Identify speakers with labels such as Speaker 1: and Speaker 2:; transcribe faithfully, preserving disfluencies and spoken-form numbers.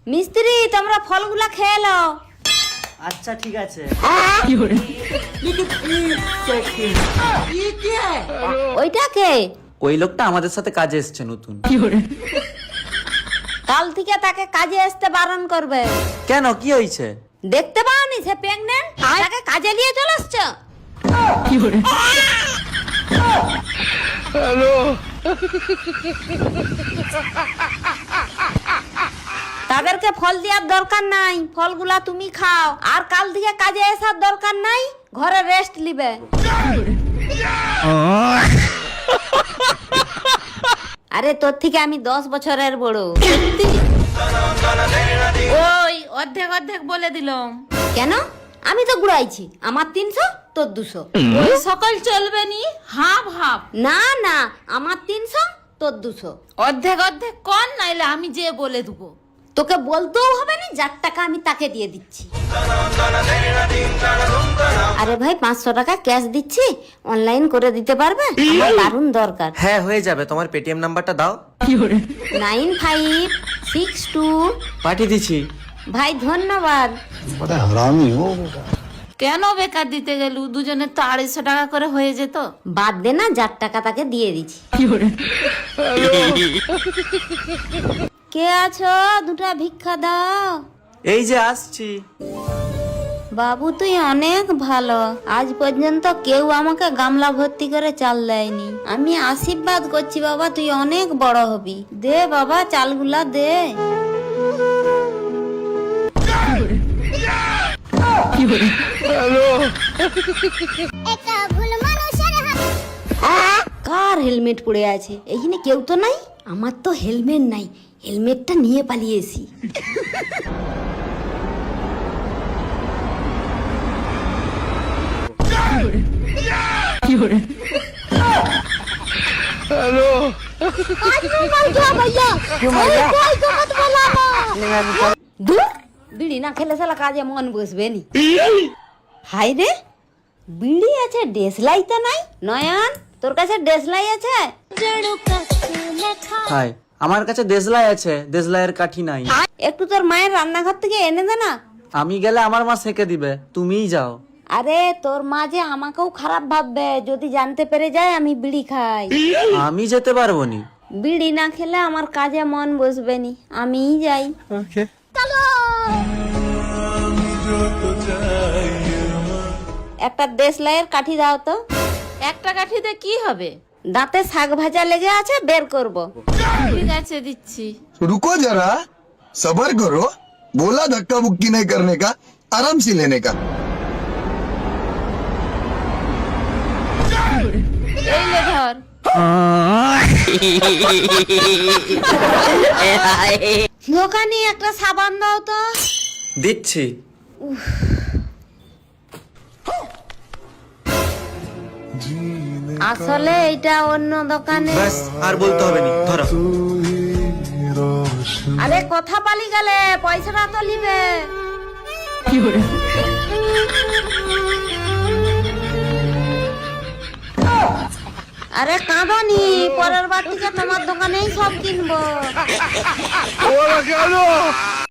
Speaker 1: মিস্ত্রি তোমরা ফলগুলা খেয়ে নাও।
Speaker 2: আচ্ছা ঠিক আছে।
Speaker 1: ওইটা কে?
Speaker 2: ওই লোকটা আমাদের সাথে কাজে এসছে নতুন।
Speaker 1: কাল থেকে তাকে কাজে আসতে বারণ করবে।
Speaker 2: কেন, কি হয়েছে?
Speaker 1: দেখতে পাওনি সে প্রেগনেন্ট, তাকে কাজে নিয়ে চলে আসছো। তাদেরকে ফল দেওয়ার দরকার নাই, ফলগুলা তুমি খাও। আর কাল থেকে কাজে আসার দরকার নাই, ঘরে রেস্ট নিবে। আরে তোর থেকে আমি দশ বছরের বড়।
Speaker 3: ওই অর্ধেক অর্ধেক বলে দিলাম।
Speaker 1: কেন? আমি তো ঘুরাইছি, আমার তিনশো তোর দুশো।
Speaker 3: ওই সকল চলবে নি, হাফ হাফ।
Speaker 1: না না, আমার তিনশো তোর দুশো।
Speaker 3: অর্ধেক অর্ধেক কর, নাইলে আমি যে বলে দেবো।
Speaker 1: তোকে বলতেও হবে না, যার টাকা আমি তাকে দিয়ে দিচ্ছি। আরে ভাই পাঁচশো টাকা ক্যাশ দিচ্ছি, অনলাইন করে দিতে পারবে? আমার দারুণ দরকার।
Speaker 2: হ্যাঁ হয়ে যাবে, তোমার পেটিএম নাম্বারটা দাও।
Speaker 1: Nine five six two.
Speaker 2: পাঠিয়ে দিচ্ছি।
Speaker 1: ভাই ধন্যবাদ।
Speaker 3: কেন বেকার দিতে গেলু? দুজনের তো আড়াইশো টাকা করে হয়ে যেত।
Speaker 1: বাদ দে না, যার টাকা তাকে দিয়ে দিচ্ছি। কে আছো? দুটা ভিক্ষা দাও।
Speaker 2: এই যে আসছি।
Speaker 1: বাবু তুই অনেক ভালো, আজ পর্যন্ত কেউ আমাকে গামলা ভর্তি করে চাল দেয়নি। আমি আশীর্বাদ করছি বাবা, তুই অনেক বড় হবি। দে বাবা চালগুলা দে। কার হেলমেট পড়ে আছে? এইখানে কেউ তো নাই। আমার তো হেলমেট নাই, হেলমেটটা নিয়ে পালিয়েছি। দূর, বিড়ি না খেলে সালা কাজে মন বসবে নি। হাই রে, বিড়ি আছে, ডেসলাই তো নাই। নয়ন, তোর কাছে ডেসলাই আছে?
Speaker 2: হাই, আমার কাছে দেশলাই আছে, দেশলাইয়ের কাঠি নাই।
Speaker 1: একটু তোর মায়ের রান্নাঘর থেকে এনে দে না।
Speaker 2: আমি গেলে আমার মা সেকে দিবে, তুমিই যাও।
Speaker 1: আরে তোর মা যে আমাকেও খারাপ ভাববে যদি জানতে পেরে যায় আমি বিড়ি খাই।
Speaker 2: আমি যেতে পারবো নি।
Speaker 1: বিড়ি না খেলে আমার কাজে মন বসবে নি, আমিই যাই। একটা দেশলাইয়ের কাঠি দাও তো।
Speaker 3: একটা কাঠিতে কি হবে?
Speaker 1: দাঁতে শাক ভাজা লেগে আছে, বের করব।
Speaker 3: ঠিক আছে দিচ্ছি।
Speaker 4: रुको जरा, सबर करो। बोला धक्का मुक्की नहीं करने का, आराम से लेने का।
Speaker 3: এই লে ধর।
Speaker 1: দোকানে একটা সাবান দাও তো।
Speaker 2: দিচ্ছি।
Speaker 1: আসলে এটা অন্য দোকানে।
Speaker 2: ব্যাস, আর বলতে হবে নি, ধরো।
Speaker 1: আরে কথা পালি গেলে, পয়সাটা তো নিবে। আরে কাঁদনি, পরের বার থেকে তোমার দোকানেই সব কিনবো।